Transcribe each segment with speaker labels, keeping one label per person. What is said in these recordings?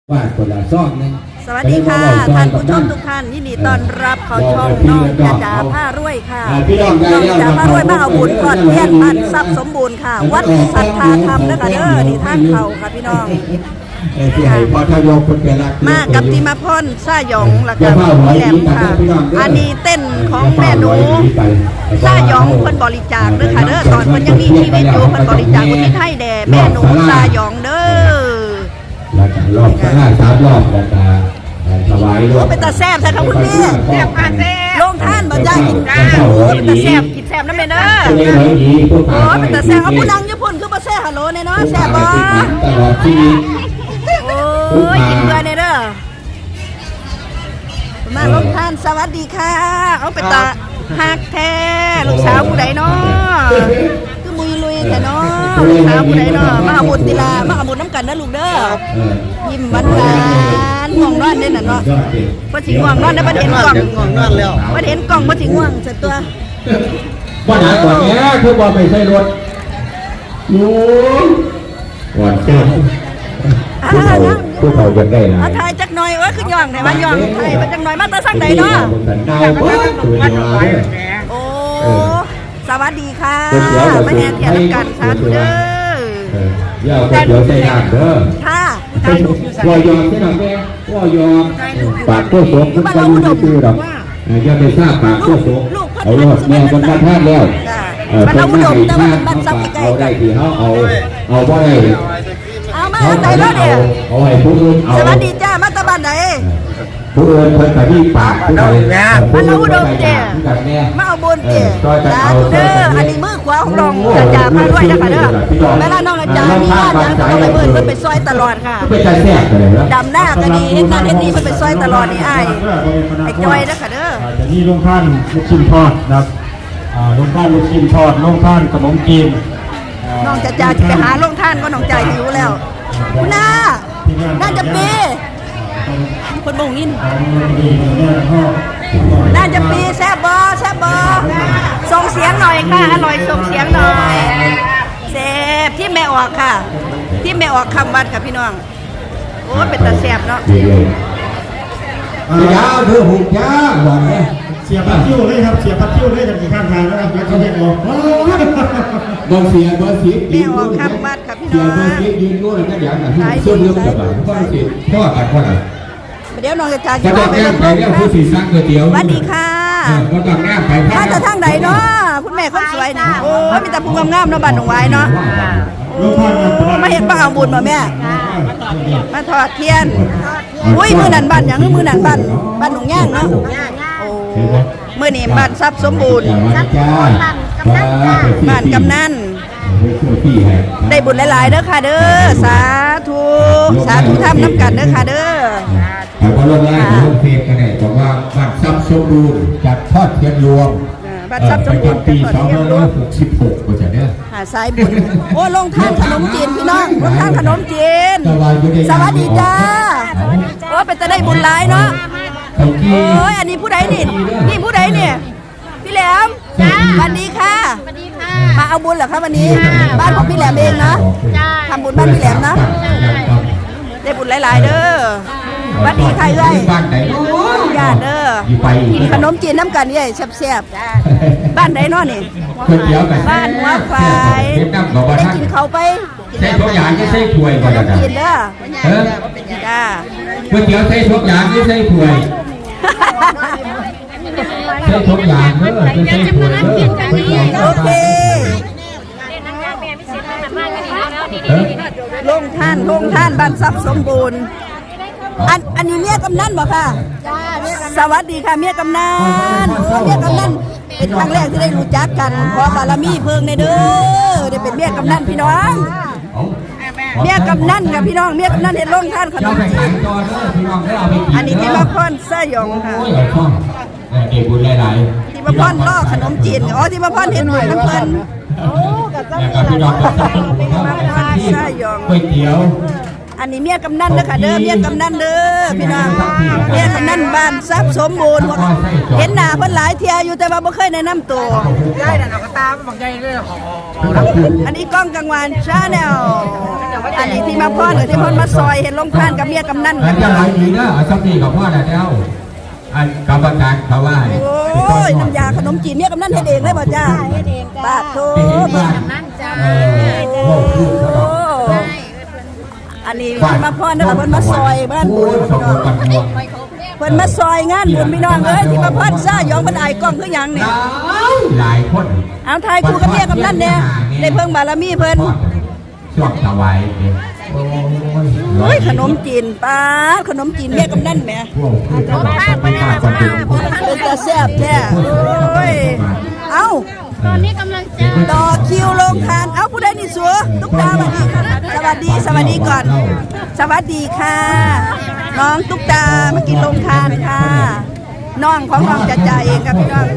Speaker 1: ว่าคนละซ่องนึง
Speaker 2: สวัสดีค่ะท่านผู้ชมทุกท่านยินดีต้อนรับเขาช่องน้องจ่าผ้ารวยค่ะน้องจ่าผ้ารวยมาเอาบุญก่อนเพี้ยนบ้านทรัพย์สมบูรณ์ค่ะวัดสัทธาธรรมนะคะเด้อนี่ท่านเขาค่ะพี่น้องมากับติมาพรซ่าหยองแล้วก็พี่แหลมค่ะอันนี้เต้นของแม่หนูซ่าหยองเพิ่นบริจาคเด้อค่ะเด้อตอนเพิ่นยังมีชีวิตอยู่เพิ่นบริจาคอุทิศให้แด่แม่หนูซ่าหยองเด้อ
Speaker 1: แล้วก็รอบข้างหน้า3 รอบแล้วก็ถวายรอบ
Speaker 2: เป็นตาแซ่บใช่ครับคุณพี่แซ่บมากแซ่บลงท่านบ่จ้ากินข้าวเป็นตาแซ่บกินแซ่บนั่นเลยเด้อโอ้เป็นตาแซ่บเอาผู้ดังญี่ปุ่นคือบ่แซ่บฮัลโหลเนี่ยเนาะแซ่บบ่
Speaker 1: ตลอดชีวิต
Speaker 2: โอ้ยกินเบื่อเนี่ยเด้อมาลงท่านสวัสดีค่ะเอาเป็นตาฮักแท้ลูกสาวผู้ใดเนาะคือมุยลุยแท้เนาะลูกสาวผู้ใดเนาะมาเอาบุญติลามาเอาบุญน้ำกันนะลูกเด้อยิ้มหวานๆง่วงนอนเด้น่ะเนาะบ่สิง่วงนอนได้บ่เห็นกล่อง
Speaker 3: ง่วงนอนแล้ว
Speaker 2: บ่เห็นกล่องบ่สิง่วงซะตัว
Speaker 1: ว่าหนาก่อนแง่คือว่าไม่ใช่รถยูหวานเต้นผู้เขายังได้นะ
Speaker 2: ถ่ายจักหน่อยว่าคือย่องไหนว่าย่องถ่ายมาจักหน่อยมาตาสักไหนเนาะโอ้สวัสดีค่ะมาแห่เทียนกันสาธุเด้
Speaker 1: อย่าเอาเดี๋ยวใส่น้ำเด้อ
Speaker 2: ค่ะ
Speaker 1: ว่ายอมที่หนังแม่ว่ายอมปากตัวสมมันก็อยู่ในตัวดอกอย่าไปทราบปากตัวสมเอารอดแม่คนมาท่าแล้ว
Speaker 2: มันเอาอุดมแต่ว่ามันบ้านซับใกล้
Speaker 1: ๆได้ที่เขาเอาบ่ได้
Speaker 2: เอามาทางไหนแล้วเนี่ย
Speaker 1: เอาให้ผู้อื่นเอา
Speaker 2: สวัสดีจ้ามาตะบ้านไหน
Speaker 1: ผู้อื่นคนแต่ที่ปากผู้ใด
Speaker 2: มันเอาอุดมเจ้มาเอาบุญเจ้จ้าเด้ออันนี้มือขวาของน้องจ่ามาด้วยนะคะเด้อเวลาน้องจ่ามีงานยังต้องไปเบิ่งเพิ่นไปซอยตลอดค่ะดำหน้าก็ดีเฮ็ดงานเฮ็ดดีเพิ่นไปซอยตลอดนี่อ้ายไอ้จอยนะคะเด้อ
Speaker 3: จะนี่ลงท่านลูกชิ้นทอดนะครับลงท่านลูกชิ้นทอดลงท่านขนมจีน
Speaker 2: น้องจ่าจะไปหาลงท่านก็น้องจ่าหิวแล้วคุณน้าน่าจะปีคนบ่งยินน่าจะปีแซ่บบ่แซ่บบ่ส่งเสียงหน่อยค่ะอร่อยส่งเสียงหน่อยแซ่บที่แม่ออกค่ะที่แม่ออกคำวัดค่ะพี่น้องโอ้เป็นตาแซ่บเนาะ
Speaker 1: ยาวเธอหุบยาบอกเลย
Speaker 3: เสียพัดคิ้วเลยครับเสียพัดคิ้วเลยกันกี่ข้างทางแล้วครับแล้วเขาเรียกออก
Speaker 1: บอลเสีย
Speaker 2: แม่ออกคำวัดค่ะพี่น้อง
Speaker 1: เสียยืนโน่นแล้วอย่างนั้นเสื้อเรื่องแบบพ่อเสียพ่อกันพ่อไหน
Speaker 2: เดี๋ยวน้องจะจ่าย
Speaker 1: จะต้องแง่ไปเนี่ยผู้สีสังก๋วยเตี๋ยว
Speaker 2: สวัสดีค่ะ
Speaker 1: ก็ต้องแง่ไป
Speaker 2: มาจากทางไหนเนาะคุณแม่คนสวยนี่โอ้มีแต่ผู้งามๆเนาะบ้านหนองไว้เนาะมาเห็นป้าเอาบุญมาแม่มาทอดเทียนอุ้ยมือนันบ้านอย่างมือนันบ้านหนองย่างเนาะโอ้มือนี่บ้านทรัพย์สมบูรณ์บ้านกำนันได้บุญหลายๆเด้อค่ะเด้อสาธุทำน้ำกันเด้อค่ะเด้อ
Speaker 1: พอลงไล่ลงเพจกันเนี่ยบอกว่าบ้านทรัพย์สมบูรณ์จัดทอดเทียนรวม
Speaker 2: บ้านทรัพย์สมบูรณ์
Speaker 1: ปี2566ก็จะเนี่ย
Speaker 2: หาสายบุญโอ้ลงท่านขนมจีนพี่น้องลงท่านขนมจีนสวัสดีจ้าโอ้เป็นจะได้บุญหลายเนาะโอ้ยอันนี้ผู้ใดนี่ผู้ใดเนี่ยพี่แหลมสวัสดีค่ะมาเอาบุญเหรอคะวันนี้บ้านของพี่แหลมเองเนาะทำบุญบ้านพี่แหลมเนาะได้บุญหลายๆเด้อวัดดีใครเอ้ยญาติเด้อขนมจีนน้ำกันเอ้ยแซ่บๆบ้านไหนเนาะนี่บ้านหัวไฟได้กินเขาไป
Speaker 1: ใส่ทุกอย่างที่ใส่ถ้วยก่อนนะ
Speaker 2: กินเด้อจ้า
Speaker 1: ก๋วยเตี๋ยวใส่ทุกอย่างที่ใส่ถ้วยใส่ทุกอย่างเด้อใส่ถ้วยเด้อ
Speaker 2: โอเคลงท่านบ้านทรัพย์สมบูรณ์อันนี้เมียกำนันบ่ค่ะสวัสดีค่ะเมียกำนันเมียกำนันเป็นครั้งแรกที่ได้รู้จักกันขอบารมีเพิ่งในเด้อได้เป็นเมียกำนันพี่น้องเมียกำนันกับพี่น้องเมียกำนันเห็นลงท่านขนมจีนอันนี้ที่มาพรซ่าหยองค่ะ
Speaker 1: ที่
Speaker 2: มาพรล่อขนมจีนอ๋อที่มาพรเห็นหน่วยน้ำเพลินโอ้กับเจ้าพี่น้อง
Speaker 1: ซ่าหยองก๋วยเตี๋ยว
Speaker 2: อันนี้เมียกำนันเด้อค่ะเด้อเมียกำนันเด้อพี่น้องเมียกำนันบ้านทรัพย์สมบูรณ์เห็นหน้าเพิ่นหลายเที่ยอยู่แต่ว่าบ่เคยแนะนำตัว
Speaker 4: ได้แต่เอากระตาบางใจเลยของ
Speaker 2: อันนี้กล้องกลางวันชาแนลอันนี้ที่มาพรกับที่พ่นมาซอยเห็นลงทานกับเมียกำนัน
Speaker 1: แล้วจะไรดีเด้อเอาสักทีกับพ่อได้แล้วอันกรรมการเขาว่า
Speaker 2: โอ้ยน้ำยาขนมจีนเมียกำนันเฮ็ดเองเลยบ่จ้าปาดโถ
Speaker 4: นั่นจ้า
Speaker 1: โอ้คือเขาดอก
Speaker 2: อันนี้มาพรเด้อค่ะเพิ่นมาซอยบ้านบุญพี่น้องเพิ่นมาซอยงานบุญพี่น้องเอ้ยที่มาพรซ่ายองเพิ่นอายกล้องคือหยังนี่
Speaker 1: หลายคน
Speaker 2: เอาทายคู่กับเมียกำนันเนี่ยได้เพิ่งบารมีเพิ่น
Speaker 1: ช่วงถวายเนี่ยโอ้
Speaker 2: เฮ้ยขนมจีนป้าขนมจีนเมียกำนันแหม
Speaker 1: พวกคือเขาบอกไม่ได้จะเป็น
Speaker 2: เป็นตาแซ่บแท้โอ้ยเอ้า
Speaker 4: ตอนนี้กำลังจะ
Speaker 2: ต่อคิวลงทาน เอ้าผู้ใดนี่สัวตุ๊กตาสวัสดีสวัสดีก่อน สวัสดีค่ะ น้องตุ๊กตามากินลงทานค่ะ น้องของน้องจะจ่ายเองครับพี่น้อง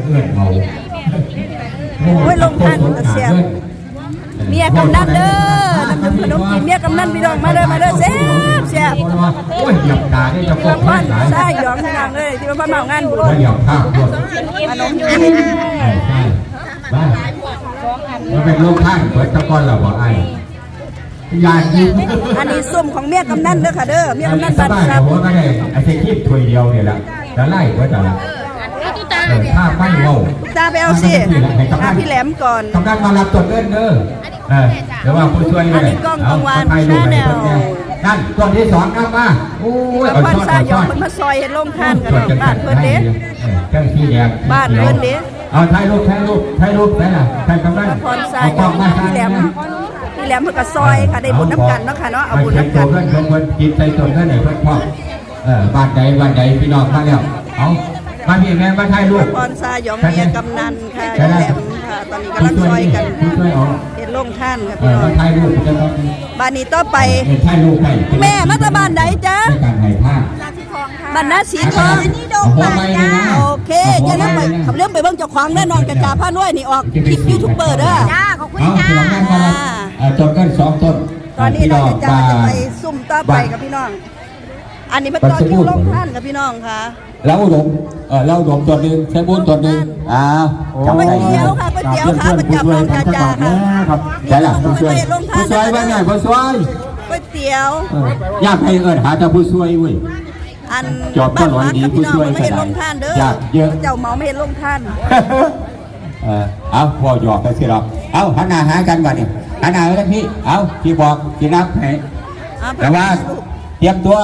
Speaker 2: โอ้ยลงทานมันก็เสียบ เมียกำนันเด้อน้ำดื่มขนมจีนเมียกำนันพี่น้องมาเด้อมาเด้อแซ่บแซ่บ
Speaker 1: โอ้ยหยับตาได้จะ
Speaker 2: ที่
Speaker 1: พบ
Speaker 2: มาพ่อน
Speaker 1: หลาย
Speaker 2: ใช่หยองพี่น้องเลยที่มาพ่อนเมางานบุญ
Speaker 1: แล้วหยับข้าวด้วย
Speaker 2: ขนมจีน
Speaker 1: ใช่ใช่บ้ามันเป็นโรคข้างเปิดตะก้อนเราบอกไอ้ยายิง
Speaker 2: อันนี้ส้มของเมียกำนันเด้อค่ะเด้อเมียกำนัน
Speaker 1: ส
Speaker 2: บ้าน
Speaker 1: บาย
Speaker 2: ครับ
Speaker 1: ผมก็ได้ไอ้เศษขี้ถ้วยเดียวเนี่ยแหละแล้วไล่ก็จะละ
Speaker 4: ตุ๊ตา
Speaker 1: ถ้าไม่โง่
Speaker 2: ตาไปเอาสิหาพี่แหลมก่อน
Speaker 1: กำลังมารับตัวเล่นเด้อเดี๋ยวว่าผู้ช่วยเลย
Speaker 2: อันนี้กล้องกลางวัน
Speaker 1: ให้ดู
Speaker 2: Channel
Speaker 1: นั่นตัวที่สองนำมาโอ้ย
Speaker 2: มาพ่อนซ่ายองเพิ่นมาซอยเฮ็ดลงทานกันบ้านเพิ่นเด้
Speaker 1: เจ้าที่แดง
Speaker 2: บ้านเพิ่นเด้
Speaker 1: เอาถ่ายรูปไหนล่ะถ่ายกำลัง
Speaker 2: มาพ่อนซ่ายองพี่แหลมเพิ่นก็ซอยค่ะได้บุญน้ำกันเนาะค่ะเนาะเอาบุญน้ำกัน
Speaker 1: เพื่อนของคนกินใจตนเพื่อนไหนเพื่อนพ่อบ้านใดพี่น้องมาแล้วเอามาพี่แม่มาถ่ายรูป
Speaker 2: พ่อนซ่ายองเมียกำนันค่ะพี่แหลมค่ะตอนนี้กำลังซอยกัน
Speaker 1: ผู้ช่วยเอา
Speaker 2: เฮ็ดลงทานค่ะพี่น้อง
Speaker 1: มาถ่ายรูปจะต้อง
Speaker 2: บ้านนี้ต่อไป
Speaker 1: ถ่ายรูปให้
Speaker 2: แม่มาจากบ้านไหนจ๊ะ
Speaker 1: ในการถ่ายภาพ
Speaker 2: บ้านนาสีทองนี่ดงป่าจ้าโอเคอย่าลืมไปขับเรื่องไปเบิ่งเจ้าของแน่นอนกระจาผ้าน้อยนี่ออกคลิปยูทูบเบอร์เด้อ
Speaker 4: จ้าขอบคุณ
Speaker 1: เอา
Speaker 4: จ้า
Speaker 1: ที่เราแม่มาแล้วจนกัน2 ต้น
Speaker 2: ตอนนี้เราจะไปซุ่มต่อไปกับพี่น้อง อันนี้เป็นตอนคิวลงท่านกับพี่น้องค่ะ
Speaker 1: เราอุดมเราอุดมตัวหนึ่งใช้บุญตัวหนึ่ง
Speaker 2: ก๋วยเตี๋ยวค่ะก๋วยเตี๋ยวค่ะประจำน้องกระจาค่ะ
Speaker 1: ใช่ล่ะผู้ช่วยผู้ช่วยว่าไงผู้ช่วย
Speaker 2: ก๋วยเตี๋ยว
Speaker 1: อยากให้หาแต่ผู้ช่วยเว้ย
Speaker 2: อัน
Speaker 1: จอบก็ร้อยดีผู้ช่วย
Speaker 2: ไม่เห็นลงท่านเด้อ
Speaker 1: อยากเยอะ
Speaker 2: เจ้าเมาไม่เห็นลงท่าน
Speaker 1: เอาพอหยอกกันสิหรอกเอาหันหน้าหากันก่อนนี่หันหน้าไปทางพี่เอาที่บอกที่นับให้แต่ว่าเตรียมตัว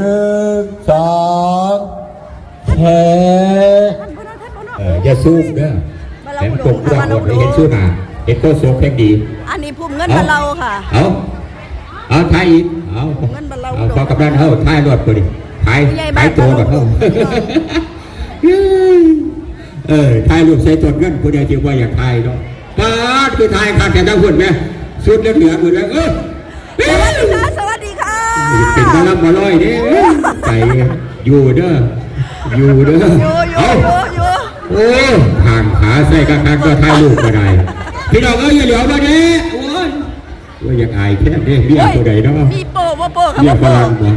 Speaker 1: 1 2เฮ้อย่าซูมเด้อเห็นกบกระโดดเห็นสู้หนาเห็นโคโซเพลงดี
Speaker 2: อันนี้พุ่มเงินมาเราค่ะ
Speaker 1: เอาถ่ายอีกเอาพอกำลังเท่าถ่ายรถพอดีถ่ายตัวก่อนเท่าถ่ายรูปใส่ตัวเงินผู้ใดที่ว่าอยากถ่ายเนาะป้าคือถ่ายขาดแต่ทั้งคนไหมสุดเหลือหมดเลย
Speaker 2: สวัสดีค่ะ
Speaker 1: เป็นมาลับมาลอยเนี่ยใจอยู่เด้อเอาโอ้ห่างขาใส่กระคันก็ถ่ายรูปมาได้พี่น้องอย่าเหลียวมาเด้โอ้ยว่าอยากอายแค่เด้เบี้ยตัวใดเนาะ
Speaker 2: มีโป้ว่าโป้ครับ
Speaker 1: เบี้ยฝ
Speaker 2: โป้
Speaker 1: รั่งบ่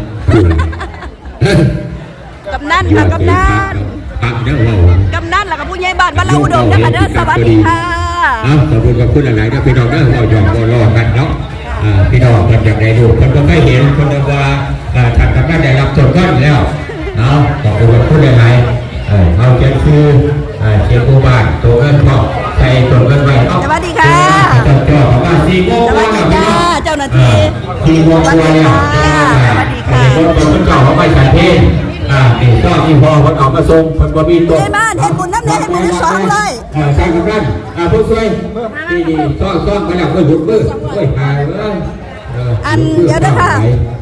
Speaker 2: กำนันค่ะกำนัน
Speaker 1: ปักเด้อว่าก
Speaker 2: ำนันแล้วก็ผู้ใหญ่บ้านบ้านเราอุดมนะคะเด้อสวัสดีค่ะ
Speaker 1: ขอบคุณกับคุณหลายๆนะพี่น้องเด้อเราหยอกรอกันเนาะพี่น้องคนอยากได้ดูคนก็ไม่เห็นคนว่าท่านกำนันได้รับส่วนก้อนแล้วขอบคุณกับคุณหลายๆเอาเชียงซูเชียงกูบ้านตัวเงินพ่อใส่ตัวเงินไว้
Speaker 2: สวัสดีค่ะ
Speaker 1: เจ้าจ่อประมาณ4 โมง
Speaker 2: สวัสดีจ้าเจ้าหน้าที่
Speaker 1: 4 โมง
Speaker 2: สวัสดีค่ะสวัสดีค่ะ
Speaker 1: คนเก่าเขาไปฉันเพลนี่ก็ที่พ่อคนออกมาส่งคนบ่มีตัว
Speaker 2: ในบ้านเห็นบุญน้ำเนี่ยเห็นบุญทั้งสองเลย
Speaker 1: ใช่กับนั่นผู้ช่วยนี่ซ่อนมาแล้วก็หยุดมือหายเลย
Speaker 2: อันเดี๋ยวนะคะ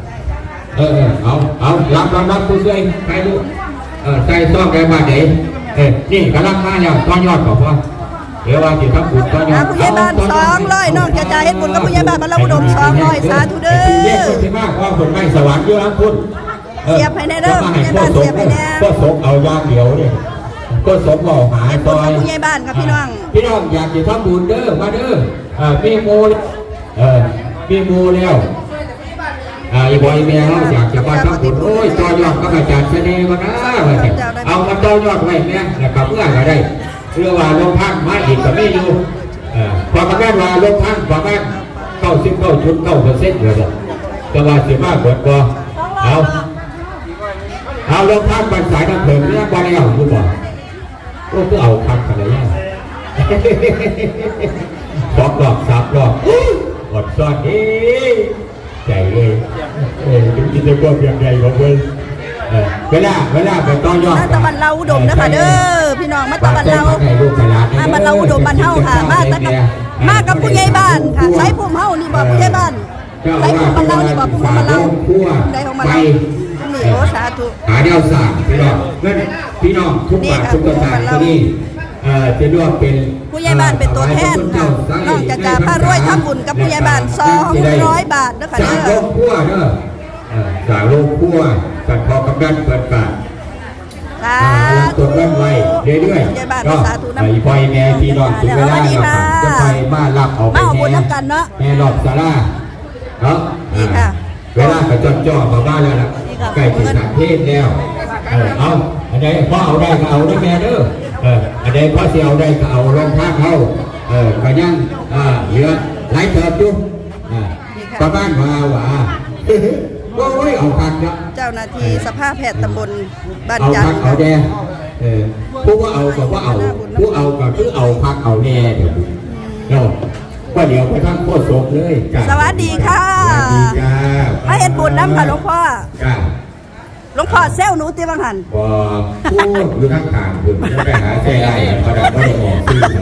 Speaker 1: เอารับผู้ช่วยใครดูใส่ซ่อนไปมาไหนนี่กำลังมาแล้วต้อนยอดของพ่อเดี๋ยวว่าจะทำบุญต้อนยอด
Speaker 2: ผู้ใหญ่บ้าน200น้องจะจ่ายเห็นบุญกับผู้ใหญ่บ้านบ้านเราอุดม200สาธุเด้อ
Speaker 1: เรียกคนที่มากว่าคนไม่สวรรค์เยอะคุณ
Speaker 2: เสียบให้แน่เด้อผู้ใหญ่บ้านเสียบให้แน่
Speaker 1: ก็สมเอาย่างเดียวเนี่ยก็สมเอาหา
Speaker 2: เห็น
Speaker 1: ซ
Speaker 2: บุญ
Speaker 1: อ
Speaker 2: กับ
Speaker 1: ย
Speaker 2: ผู้ใหญ่บ้านกับพี่น้อง
Speaker 1: พี่น้องอยากจะทำบุญเด้อมาเด้อมีโมมีโมแล้วอีบอยแม่เขาอยากจะมาทำบุญโอ้ยต่อยอดก็อาจารย์เสน่ห์มานะเอามาต่อยอดไว้เนี่ยนะครับเมื่อก็ได้เรื่องว่าลงพังมาอีกก็ไม่อยู่พอมาแม่ว่าลงพังประมาณ99.9%เลยแต่ว่าสิมากกว่าก็เอาลงพังบันสายน้ำเพิ่มเนี่ยบอลเอาคุณบอกก็เอาพังกันเลย2 รอบ 3 รอบอดซ้อนใจเลยถึงกินได้ก็เพียงใดของเว้ยเวลาไปต่อยอด
Speaker 2: มาตะวันเราอุดมนะคะเด้อพี่น้องมาตะวันเรามาบันเราอุดมบันเฮาค่ะมากับผู้ใหญ่บ้านค่ะใช้ภูมิเฮานี่บอกผู้ใหญ่บ้านใช้ภูมิบันเรานี่บอกภูมิบันเราใดของบันเรานี่โอ้สาธุ
Speaker 1: หาเดียวสามพี่น้องทุกบาททุกสตางค์ที่นี่จะเรียกว่าเป็น
Speaker 2: ผู้ใหญ่บ้านเป็นตัวแทนค่ะนอกจากพระรวยทำบุญกับผู้ใหญ่บ้าน200 บาทนะคะ
Speaker 1: สา
Speaker 2: เด้
Speaker 1: โล
Speaker 2: อก
Speaker 1: พั่วเด้อสาโลกพั่วตัดพอกำนันเปิดปาก
Speaker 2: สา
Speaker 1: ตัว
Speaker 2: ธุ
Speaker 1: เริ่มไว้เรื่อย
Speaker 2: ผู้ใหญ่บ้าน
Speaker 1: ๆก็
Speaker 2: สาธุนะ
Speaker 1: ไอ้ปล่อยแม่พี่น้องถึงเวลาจะไปมารับเอาไป
Speaker 2: มาเอาบุญน้ำกันเนาะ
Speaker 1: แม่รอบศาลาเนาะ
Speaker 2: นี่ค่ะ
Speaker 1: เวลาไปจ่อมาบ้านแล้วล่ะใกล้ถึงสามเทศแล้วเอาอันใดพ่อเอาได้ก็เอาได้แม่เด้ออันใดพ่อเสียเอาได้ก็เอาลงทางเขาก็ยังเหลือหลายเติบอยู่ประมาณว่าโอ้ยเอาพักเนาะ
Speaker 2: เจ้าหน้าที่สภาพแพทย์ตำบลบ้าน
Speaker 1: เอา
Speaker 2: จัน
Speaker 1: พั
Speaker 2: ท
Speaker 1: ก
Speaker 2: ร์
Speaker 1: เอาแดงผู้ว่าเอาก็ว่าเอาผู้เอาก็คือเอาพักเอาแน่เดี๋ยวเนาะก็เดี๋ยวไปทำโคตรศพเลยจ้า
Speaker 2: สวัสดีค่ะ
Speaker 1: สวัสดีจ้า
Speaker 2: มาเฮ็ดบุญน้ำค่ะหลวงพ่อ
Speaker 1: จ้า
Speaker 2: หลวงพ่อเซลหนูตีบังหัน
Speaker 1: พอพูดอยู่ข้างทางคุณจะไปหาใจไอ้ประดับไม่ได้ออกซื้อไหน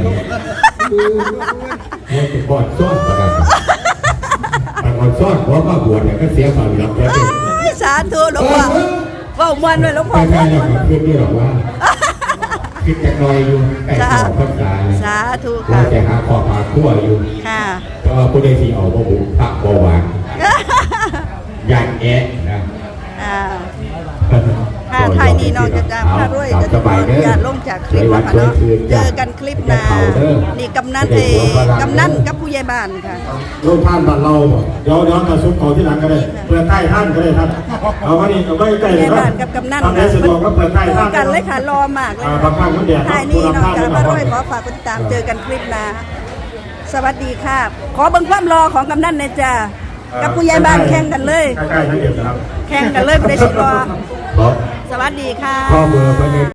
Speaker 1: เนี่ยจะบอดซ่อนประดับแต่บอดซ่อนเพราะว่าบวชเนี่ยก็เสียความรับแล้วเป็น
Speaker 2: สาธุหลวงพ่อเว้ามวนด้วยหลวงพ่อ
Speaker 1: ไม่ได้หรอกคิดนี่หรอกว่าคิดจะลอยอยู่ใกล้ขอบพรรษา
Speaker 2: สาธุ
Speaker 1: เรา
Speaker 2: ค่ะ
Speaker 1: จะหาขอบหาขั้วอยู่
Speaker 2: ค่ะ
Speaker 1: เพราะว่าผู้ใดที่เอาพระบุญพระบวานยันแอะนะ
Speaker 2: อ่าค่ะไทยนี่น้องจะจำพระรวยจะขออนุญาตลงจากคลิปนะคะเนาะเจอกันคลิปหน้านี่กำนันกำนันกับผู้ใหญ่บ้านค่ะ
Speaker 3: ลูกท่านบ้านเราเดี๋ยวกระซุกเขาที่หลังก็ได้เปิดใต้ท่านก็ได้ครับเอาไว้นี่เอาไว้ใกล้
Speaker 2: ผู้ให
Speaker 3: เล
Speaker 2: ญ่
Speaker 3: ยครับ
Speaker 2: บ้านกับกำนัน
Speaker 3: ทำได้สะดวกก็เปิดใต้ท่าน
Speaker 2: กันเลยค่ะรอมากเลย
Speaker 3: บางครั้งมันเดียด
Speaker 2: ไทยนี่น้องจะพระรวยขอฝากติดตามเจอกันคลิปหน้าสวัสดีค่ะ ขอเบิ่งความรอของกำนันหน่อยจ้ากับผู้ใหญ่บ้านแข่งกันเลย
Speaker 3: ใกล้ๆทั้งเดียวนะครับ
Speaker 2: แข่งกันเลยผู้ใดสิรอ
Speaker 1: ขอ
Speaker 2: สวัสดีค่ะ
Speaker 1: ข้อมือไปใน